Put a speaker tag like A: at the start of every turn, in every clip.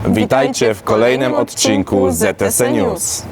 A: Witajcie w kolejnym odcinku ZTS News.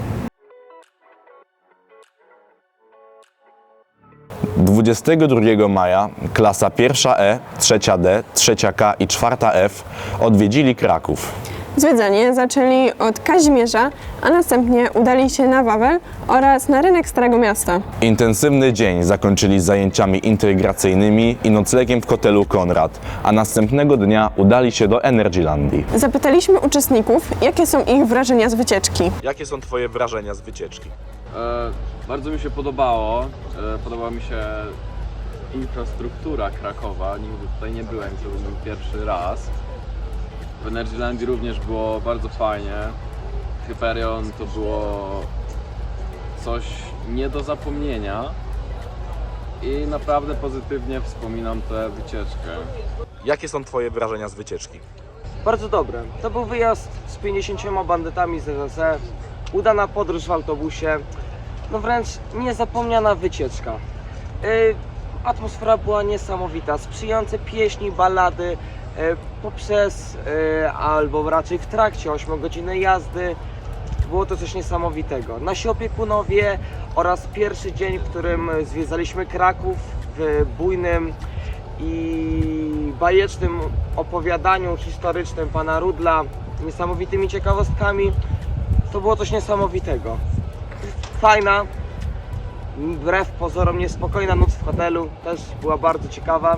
A: 22 maja klasa 1E, 3D, 3K i 4F odwiedzili Kraków.
B: Zwiedzanie zaczęli od Kazimierza, a następnie udali się na Wawel oraz na rynek Starego Miasta.
A: Intensywny dzień zakończyli zajęciami integracyjnymi i noclegiem w hotelu Konrad, a następnego dnia udali się do Energylandii.
B: Zapytaliśmy uczestników, jakie są ich wrażenia z wycieczki.
A: Jakie są Twoje wrażenia z wycieczki?
C: Bardzo mi się podobało. Podobała mi się infrastruktura Krakowa. Nigdy tutaj nie byłem, to był mój pierwszy raz. W Energylandii również było bardzo fajnie. Hyperion to było coś nie do zapomnienia i naprawdę pozytywnie wspominam tę wycieczkę.
A: Jakie są Twoje wrażenia z wycieczki?
D: Bardzo dobre. To był wyjazd z 50 bandytami z ZSE, udana podróż w autobusie, no wręcz niezapomniana wycieczka. Atmosfera była niesamowita, sprzyjające pieśni, ballady, poprzez, albo raczej w trakcie 8-godzinnej jazdy. Było to coś niesamowitego. Nasi opiekunowie oraz pierwszy dzień, w którym zwiedzaliśmy Kraków w bujnym i bajecznym opowiadaniu historycznym pana Rudla, niesamowitymi ciekawostkami, to było coś niesamowitego. Fajna, wbrew pozorom niespokojna noc w hotelu, też była bardzo ciekawa.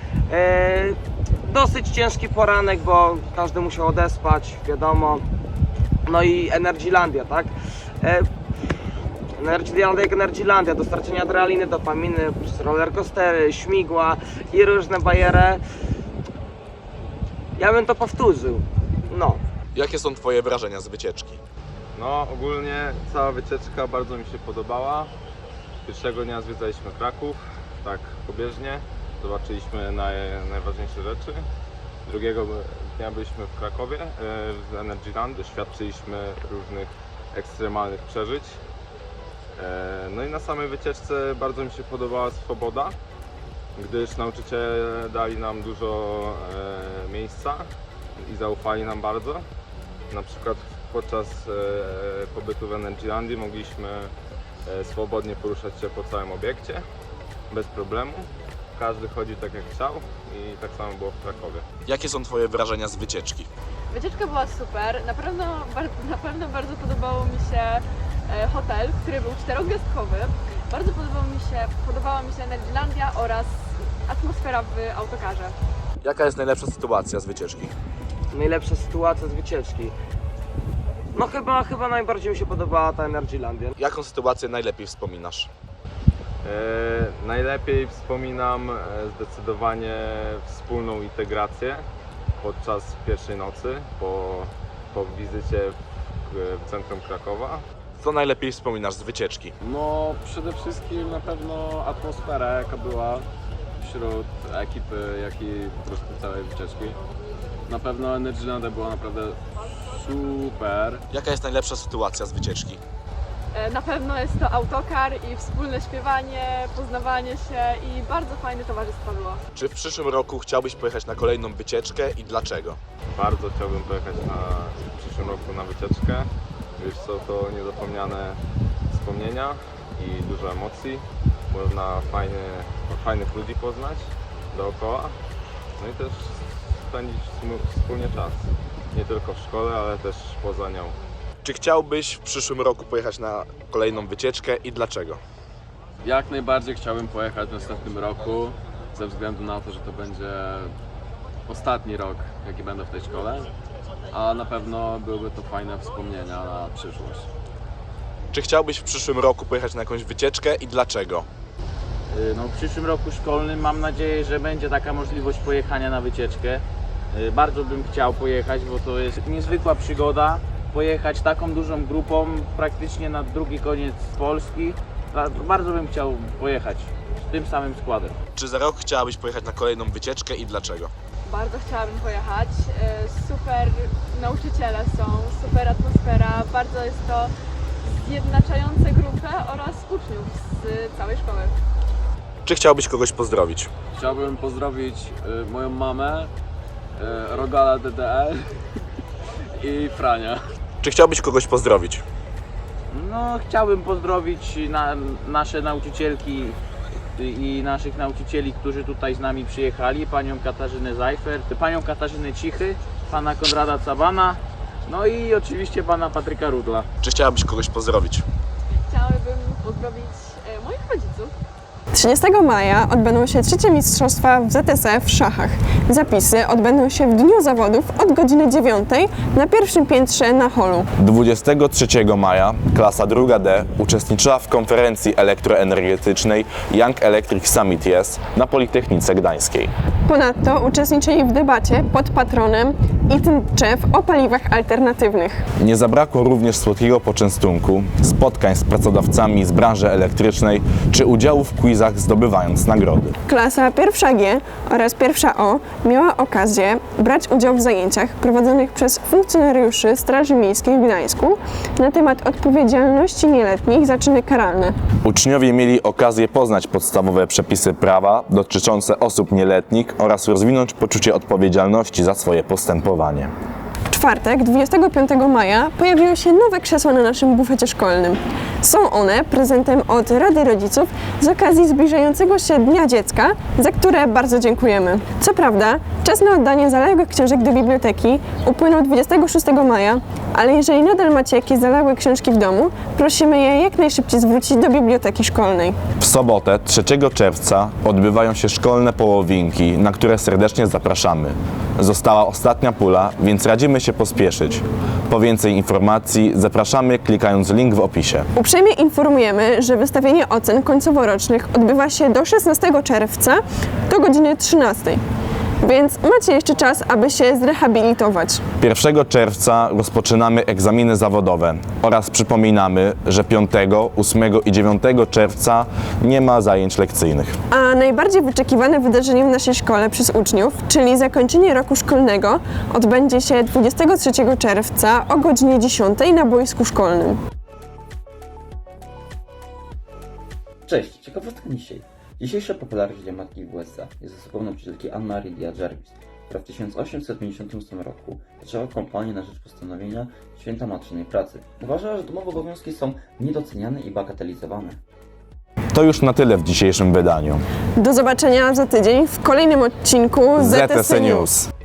D: Dosyć ciężki poranek, bo każdy musiał odespać, wiadomo. No i Energylandia, tak? Energylandia jak Energylandia, dostarczenie adrenaliny, dopaminy, przez rollercoastery, śmigła i różne bajery. Ja bym to powtórzył, no.
A: Jakie są Twoje wrażenia z wycieczki?
C: No ogólnie cała wycieczka bardzo mi się podobała. Pierwszego dnia zwiedzaliśmy Kraków, tak pobieżnie. Zobaczyliśmy najważniejsze rzeczy. Drugiego dnia byliśmy w Krakowie, w Energyland, doświadczyliśmy różnych ekstremalnych przeżyć. No i na samej wycieczce bardzo mi się podobała swoboda, gdyż nauczyciele dali nam dużo miejsca i zaufali nam bardzo. Na przykład podczas pobytu w Energylandii mogliśmy swobodnie poruszać się po całym obiekcie, bez problemu. Każdy chodził tak jak chciał i tak samo było w Krakowie.
A: Jakie są Twoje wrażenia z wycieczki?
E: Wycieczka była super, na pewno bardzo podobało mi się hotel, który był 4-gwiazdkowy. Bardzo podobała mi się Energylandia oraz atmosfera w autokarze.
A: Jaka jest najlepsza sytuacja z wycieczki?
D: Najlepsza sytuacja z wycieczki. No chyba najbardziej mi się podobała ta Energylandia.
A: Jaką sytuację najlepiej wspominasz?
C: Najlepiej wspominam zdecydowanie wspólną integrację podczas pierwszej nocy po wizycie w centrum Krakowa.
A: Co najlepiej wspominasz z wycieczki?
C: No przede wszystkim na pewno atmosfera, jaka była wśród ekipy, jak i po prostu całej wycieczki. Na pewno Energylandia była naprawdę super.
A: Jaka jest najlepsza sytuacja z wycieczki?
E: Na pewno jest to autokar i wspólne śpiewanie, poznawanie się i bardzo fajne towarzystwo było.
A: Czy w przyszłym roku chciałbyś pojechać na kolejną wycieczkę i dlaczego?
C: Bardzo chciałbym pojechać w przyszłym roku na wycieczkę, gdyż są to niezapomniane wspomnienia i dużo emocji. Można fajnych ludzi poznać dookoła, no i też spędzić wspólnie czas. Nie tylko w szkole, ale też poza nią.
A: Czy chciałbyś w przyszłym roku pojechać na kolejną wycieczkę i dlaczego?
C: Jak najbardziej chciałbym pojechać w następnym roku, ze względu na to, że to będzie ostatni rok, jaki będę w tej szkole, a na pewno byłyby to fajne wspomnienia na przyszłość.
A: Czy chciałbyś w przyszłym roku pojechać na jakąś wycieczkę i dlaczego?
F: No, w przyszłym roku szkolnym mam nadzieję, że będzie taka możliwość pojechania na wycieczkę. Bardzo bym chciał pojechać, bo to jest niezwykła przygoda. Pojechać taką dużą grupą praktycznie na drugi koniec Polski. Bardzo bym chciał pojechać z tym samym składem.
A: Czy za rok chciałabyś pojechać na kolejną wycieczkę i dlaczego?
E: Bardzo chciałabym pojechać. Super nauczyciele są, super atmosfera, bardzo jest to zjednaczające grupę oraz uczniów z całej szkoły.
A: Czy chciałbyś kogoś pozdrowić?
C: Chciałbym pozdrowić moją mamę, Rogala DDL
F: i Frania.
A: Czy chciałbyś kogoś pozdrowić?
F: No, chciałbym pozdrowić nasze nauczycielki i naszych nauczycieli, którzy tutaj z nami przyjechali, panią Katarzynę Zajfert, panią Katarzynę Cichy, pana Konrada Cabana, no i oczywiście pana Patryka Rudla.
A: Czy chciałabyś kogoś pozdrowić?
E: Chciałabym pozdrowić moich rodziców.
B: 30 maja odbędą się trzecie mistrzostwa w ZSE w szachach. Zapisy odbędą się w dniu zawodów od godziny 9 na pierwszym piętrze na holu.
A: 23 maja klasa 2D uczestniczyła w konferencji elektroenergetycznej Young Electric Summit Yes na Politechnice Gdańskiej.
B: Ponadto uczestniczyli w debacie pod patronem Itczew o paliwach alternatywnych.
A: Nie zabrakło również słodkiego poczęstunku, spotkań z pracodawcami z branży elektrycznej czy udziału w quizach zdobywając nagrody.
B: Klasa 1G oraz 1O miała okazję brać udział w zajęciach prowadzonych przez funkcjonariuszy Straży Miejskiej w Gdańsku na temat odpowiedzialności nieletnich za czyny karalne.
A: Uczniowie mieli okazję poznać podstawowe przepisy prawa dotyczące osób nieletnich oraz rozwinąć poczucie odpowiedzialności za swoje postępowanie.
B: W czwartek, 25 maja, pojawiły się nowe krzesła na naszym bufecie szkolnym. Są one prezentem od Rady Rodziców z okazji zbliżającego się Dnia Dziecka, za które bardzo dziękujemy. Co prawda, czas na oddanie zaległych książek do biblioteki upłynął 26 maja, ale jeżeli nadal macie jakieś zaległe książki w domu, prosimy je jak najszybciej zwrócić do biblioteki szkolnej.
A: W sobotę, 3 czerwca, odbywają się szkolne połowinki, na które serdecznie zapraszamy. Została ostatnia pula, więc radzimy się pospieszyć. Po więcej informacji zapraszamy klikając link w opisie.
B: Uprzejmie informujemy, że wystawienie ocen końcoworocznych odbywa się do 16 czerwca do godziny 13. Więc macie jeszcze czas, aby się zrehabilitować.
A: 1 czerwca rozpoczynamy egzaminy zawodowe oraz przypominamy, że 5, 8 i 9 czerwca nie ma zajęć lekcyjnych.
B: A najbardziej wyczekiwane wydarzeniem w naszej szkole przez uczniów, czyli zakończenie roku szkolnego, odbędzie się 23 czerwca o godzinie 10 na boisku szkolnym.
G: Cześć, ciekawostka dzisiaj. Dzisiejsza popularność Matki w USA jest zasobą nauczycielki Anne-Marie Dia Jarvis, która w 1858 roku zaczęła kampanię na rzecz postanowienia Święta Matczynej Pracy. Uważała, że domowe obowiązki są niedoceniane i bagatelizowane.
A: To już na tyle w dzisiejszym wydaniu.
B: Do zobaczenia za tydzień w kolejnym odcinku ZTC News.